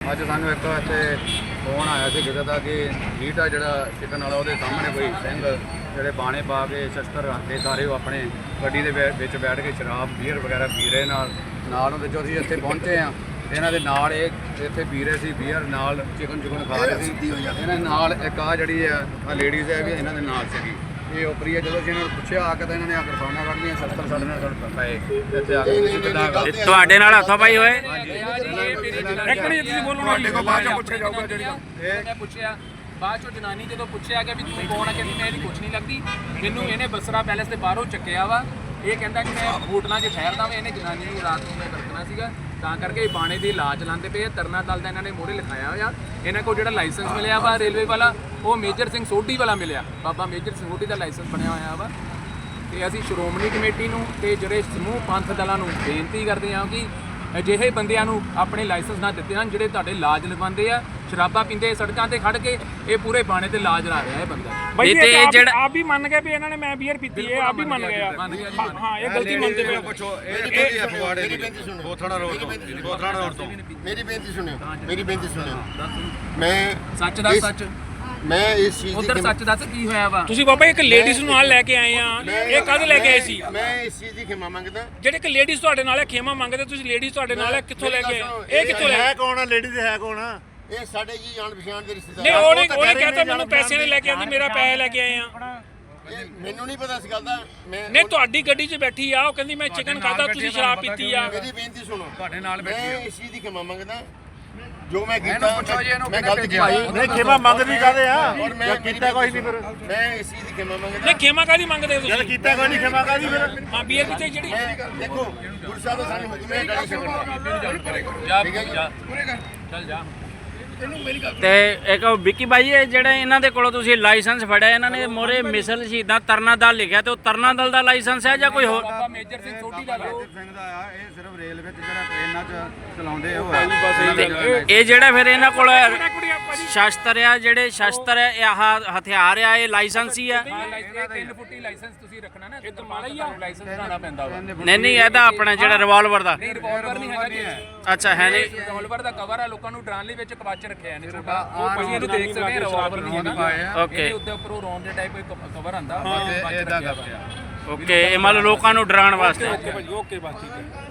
ਅੱਜ ਸਾਨੂੰ ਇੱਕ ਇੱਥੇ ਫੋਨ ਆਇਆ ਸੀ ਕਿਸੇ ਦਾ ਕਿ ਹੀਟ ਆ ਜਿਹੜਾ ਚਿਕਨ ਵਾਲਾ ਉਹਦੇ ਸਾਹਮਣੇ ਕੋਈ ਸਿੰਘ ਜਿਹੜੇ ਬਾਣੇ ਪਾ ਕੇ ਸ਼ਸਤਰ ਰੱਖਦੇ ਸਾਰੇ ਉਹ ਆਪਣੇ ਗੱਡੀ ਦੇ ਵਿੱਚ ਬੈਠ ਕੇ ਸ਼ਰਾਬ ਬੀਅਰ ਵਗੈਰਾ ਪੀ ਰਹੇ ਨਾਲ ਉਹਦੇ ਜੋ ਅਸੀਂ ਇੱਥੇ ਪਹੁੰਚੇ ਆ ਇਹਨਾਂ ਦੇ ਨਾਲ ਇਹ ਇੱਥੇ ਪੀ ਰਹੇ ਸੀ ਬੀਅਰ ਨਾਲ ਚਿਕਨ ਖਾ ਰਹੇ ਸੀ ਇਹਨਾਂ ਦੇ ਨਾਲ ਇੱਕ ਆ ਜਿਹੜੀ ਆ ਲੇਡੀਜ਼ ਹੈ ਵੀ ਇਹਨਾਂ ਦੇ ਨਾਲ ਸੀਗੀ ਇਹ ਉਪਰੀ ਹੈ। ਜਦੋਂ ਅਸੀਂ ਇਹਨਾਂ ਨੂੰ ਪੁੱਛਿਆ ਆ ਕੇ ਤਾਂ ਇਹਨਾਂ ਨੇ ਕਿਰਪਾਨਾਂ ਕੱਢੀਆਂ ਸ਼ਸਤਰ ਸਾਡੇ ਨਾਲ ਪਏ ਇੱਥੇ ਆ ਕੇ ਕਿੱਦਾਂ ਤੁਹਾਡੇ ਨਾਲ ਹੱਥੋਂ ਪਾਈ ਹੋਏ ਇੱਕ ਮਿੰਟ ਤੁਸੀਂ ਬੋਲੋ ਸਾਡੇ ਕੋਲ ਬਾਅਦ ਚ ਪੁੱਛਿਆ ਜਾਊਗਾ ਜਿਹੜੀ ਇਹ ਪੁੱਛਿਆ ਬਾਅਦ ਚੋਂ ਜਨਾਨੀ ਜਦੋਂ ਪੁੱਛਿਆ ਕਿ ਵੀ ਤੂੰ ਕੌਣ ਆ ਕਹਿੰਦੀ ਮੈਂ ਇਹਦੀ ਕੁਛ ਨਹੀਂ ਲੱਗਦੀ ਮੈਨੂੰ ਇਹਨੇ ਬਸਰਾ ਪੈਲੇਸ ਦੇ ਬਾਹਰੋਂ ਚੱਕਿਆ ਵਾ ਇਹ ਕਹਿੰਦਾ ਕਿ ਮੈਂ ਹੋਟਲਾਂ 'ਚ ਠਹਿਰਦਾ ਵਾਂ ਇਹਨੇ ਜਨਾਨੀ ਨੂੰ ਰਾਤ ਨੂੰ ਮੈਂ ਵਰਤਣਾ ਸੀਗਾ ਤਾਂ ਕਰਕੇ ਬਾਣੇ ਦੀ ਲਾਜ ਲਾਉਂਦੇ ਪਏ ਤਰਨਾ ਦਲ ਦਾ ਇਹਨਾਂ ਨੇ ਮੋਹਰੇ ਲਿਖਾਇਆ ਹੋਇਆ ਇਹਨਾਂ ਕੋਲ ਜਿਹੜਾ ਲਾਇਸੈਂਸ ਮਿਲਿਆ ਵਾ ਰੇਲਵੇ ਵਾਲਾ ਉਹ ਮੇਜਰ ਸਿੰਘ ਸੋਢੀ ਵਾਲਾ ਮਿਲਿਆ ਬਾਬਾ ਮੇਜਰ ਸਿੰਘ ਸੋਢੀ ਦਾ ਲਾਇਸੈਂਸ ਬਣਿਆ ਹੋਇਆ ਵਾ ਤੇ ਅਸੀਂ ਸ਼੍ਰੋਮਣੀ ਕਮੇਟੀ ਨੂੰ ਤੇ ਜਿਹੜੇ ਸਮੂਹ ਪੰਥ ਦਲਾਂ ਨੂੰ ਬੇਨਤੀ ਕਰਦੇ ਹਾਂ ਕਿ ਅਜਿਹੇ ਬੰਦਿਆਂ ਨੂੰ ਆਪਣੇ ਲਾਇਸੈਂਸ ਨਾ ਦਿੱਤੇ ਹਨ ਜਿਹੜੇ ਤੁਹਾਡੇ ਲਾਜ ਲਗਵਾਉਂਦੇ ਆ ਸ਼ਰਾਬਾਂ ਪੀਂਦੇ ਸੜਕਾਂ ਤੇ ਖੜ ਕੇ ਇਹ ਪੂਰੇ ਬਾਣੇ ਤੇ ਲਾਜ ਲਾ ਰਿਹਾ ਇਹ ਬੰਦਾ ਬਈ ਇਹ ਜਿਹੜਾ ਆਪ ਵੀ ਮੰਨ ਗਏ ਵੀ ਇਹਨਾਂ ਨੇ ਮੈਂ ਬੀਅਰ ਪੀਤੀ ਹੈ ਆਪ ਵੀ ਮੰਨ ਗਏ ਆ ਹਾਂ ਇਹ ਗਲਤੀ ਮੰਨਦੇ ਪਏ ਪੁੱਛੋ ਇਹ ਫਗਵਾੜੇ ਦੀ ਬੋਥੜਾ ਰੋਡ ਤੋਂ ਮੇਰੀ ਬੇਨਤੀ ਸੁਣਿਓ ਮੈਂ ਸੱਚ ਦਾ ਸੱਚ ਮੈਂ ਇਸ ਚੀਜ਼ ਉਧਰ ਸੱਚ ਦੱਸ ਕੀ ਹੋਇਆ ਵਾ ਤੁਸੀਂ ਬਾਬਾ ਇੱਕ ਲੇਡੀਜ਼ ਨੂੰ ਨਾਲ ਲੈ ਕੇ ਆਏ ਆ ਇਹ ਕਦ ਲੈ ਕੇ ਆਏ ਸੀ ਮੈਂ ਇਸ ਚੀਜ਼ ਦੀ ਖਿਮਾ ਮੰਗਦਾ ਜਿਹੜੇ ਇੱਕ ਲੇਡੀਜ਼ ਤੁਹਾਡੇ ਨਾਲ ਹੈ ਖੇਮਾ ਮੰਗਦੇ ਤੁਸੀਂ ਲੇਡੀਜ਼ ਤੁਹਾਡੇ ਨਾਲ ਹੈ ਕਿੱਥੋਂ ਲੈ ਕੇ ਆਏ ਇਹ ਕਿੱਥੋਂ ਲੈ ਹੈ ਕੌਣ ਆ ਲੇਡੀਜ਼ ਹੈ ਕੌਣ ਆ ਇਹ ਸਾਡੇ ਜੀ ਜਾਣ ਪਛਾਣ ਦੇ ਰਿਸ਼ਤੇਦਾਰ ਨਹੀਂ ਉਹਨੇ ਕਹਤਾ ਮੈਨੂੰ ਪੈਸੇ ਨੇ ਲੈ ਕੇ ਆਂਦੀ ਮੇਰਾ ਪੈਸੇ ਲੈ ਕੇ ਆਏ ਆ ਮੈਨੂੰ ਨਹੀਂ ਪਤਾ ਇਸ ਗੱਲ ਦਾ ਨਹੀਂ ਤੁਹਾਡੀ ਗੱਡੀ 'ਚ ਬੈਠੀ ਆ ਉਹ ਕਹਿੰਦੀ ਮੈਂ ਚਿਕਨ ਖਾਦਾ ਤੁਸੀਂ ਸ਼ਰਾਬ ਪੀਤੀ ਆ ਮੇਰੀ ਬੇਨਤੀ ਸੁਣੋ ਤੁਹਾਡੇ ਨਾਲ ਬੈਠੀ ਮੈਂ ਇਸ ਚੀਜ਼ ਦੀ ਖਿਮਾ ਮੰਗਦਾ ਜੋ ਮੈਂ ਕੀਤਾ ਮੈਂ ਗਲਤ ਕੀਤਾ ਨਹੀਂ ਖਿਮਾ ਮੰਗਦੀ ਕਾਦੇ ਆ ਔਰ ਮੈਂ ਕੀਤਾ ਕੋਈ ਨਹੀਂ ਫਿਰ ਮੈਂ ਇਸ ਚੀਜ਼ ਦੀ ਖਿਮਾ ਮੰਗਦਾ ਨਹੀਂ ਖੇਮਾ ਕਾਦੀ ਮੰਗਦੇ ਹੋ ਤੁਸੀਂ ਕੀਤਾ ਕੋਈ ਨਹੀਂ ਖਿਮਾ ਕਾਦੀ ਫਿਰ ਹਾਂ ਬੀਅਰ ਪੀਤੇ ਜਿਹੜੀ ਦੇਖੋ ਗੁਰੂ ਸਾਹਿਬ ਦਾ ਸਾਨੂੰ ਹੁਕਮ ਹੈ ਗਾਲੀ ਛੱਡਣ ਜਾ ਠੀਕ ਹੈ ਜਾ ਚੱਲ ਜਾ ਤੇ ਇੱਕ ਵਿੱਕੀ ਬਾਈ ਇਹ ਜਿਹੜੇ ਇਹਨਾਂ ਦੇ ਕੋਲੋਂ ਤੁਸੀਂ ਲਾਇਸੈਂਸ ਫੜਿਆ ਇਹਨਾਂ ਨੇ ਮੋਰੇ ਮਿਸਲ ਸ਼ਹੀਦਾਂ ਤਰਨਾ ਦਲ ਲਿਖਿਆ ਤੇ ਉਹ ਤਰਨਾ ਦਲ ਦਾ ਲਾਇਸੈਂਸ ਹੈ ਜਾਂ ਕੋਈ ਹੋਰ ਬਾਬਾ ਮੇਜਰ ਸਿੰਘ ਸੋਢੀ ਦਾ ਸਿੰਘ ਦਾ ਆ ਇਹ ਸਿਰਫ ਰੇਲਵੇ ਤੇ ਜਿਹੜਾ ਟ੍ਰੇਨਾਂ 'ਚ ਚਲਾਉਂਦੇ ਉਹ ਇਹ ਜਿਹੜਾ ਫਿਰ ਇਹਨਾਂ ਕੋਲ ਸ਼ਸਤਰ ਆ ਜਿਹੜੇ ਸ਼ਸਤਰ ਆ ਇਹ ਹਥਿਆਰ ਆ ਇਹ ਲਾਇਸੈਂਸ ਹੀ ਆ 3 ਫੁੱਟੀ ਲਾਇਸੈਂਸ ਤੁਸੀਂ ਰੱਖਣਾ ਨਾ ਇਹ ਤਾਂ ਮਾੜਾ ਹੀ ਆ ਲਾਇਸੈਂਸ ਬਣਾਉਣਾ ਪੈਂਦਾ ਵਾ ਨਹੀਂ ਇਹਦਾ ਆਪਣਾ ਜਿਹੜਾ ਰਿਵਾਲਵਰ ਦਾ ਨਹੀਂ ਰਿਵਾਲਵਰ ਨਹੀਂ ਹੈਗਾ ਜੀ ਅੱਛਾ ਹੈ ਨਹੀਂ ਰਿਵਾਲਵਰ ਦਾ ਕਵਰ ਆ ਲੋਕਾਂ ਨੂੰ ਡਰਾਉਣ ਲਈ ਵਿੱਚ ਕਵਚ ਰੱਖਿਆ ਨੇ ਛੋਟਾ ਉਹ ਤੁਸੀਂ ਇਹਨੂੰ ਦੇਖ ਸਕਦੇ ਆ ਰਿਵਾਲਵਰ ਨਹੀਂ ਹੈਗਾ ਓਕੇ ਇਹਦੇ ਉੱਤੇ ਉੱਪਰੋਂ ਰੌਂਡ ਦੇ ਟਾਈਪ ਕਵਰ ਆਂਦਾ ਇਹਦਾ ਕਰਦਾ ਓਕੇ ਇਹ ਮੰਨ ਲਓ ਲੋਕਾਂ ਨੂੰ ਡਰਾਉਣ ਵਾਸਤੇ ਓਕੇ ਬਸ ਠੀਕ ਹੈ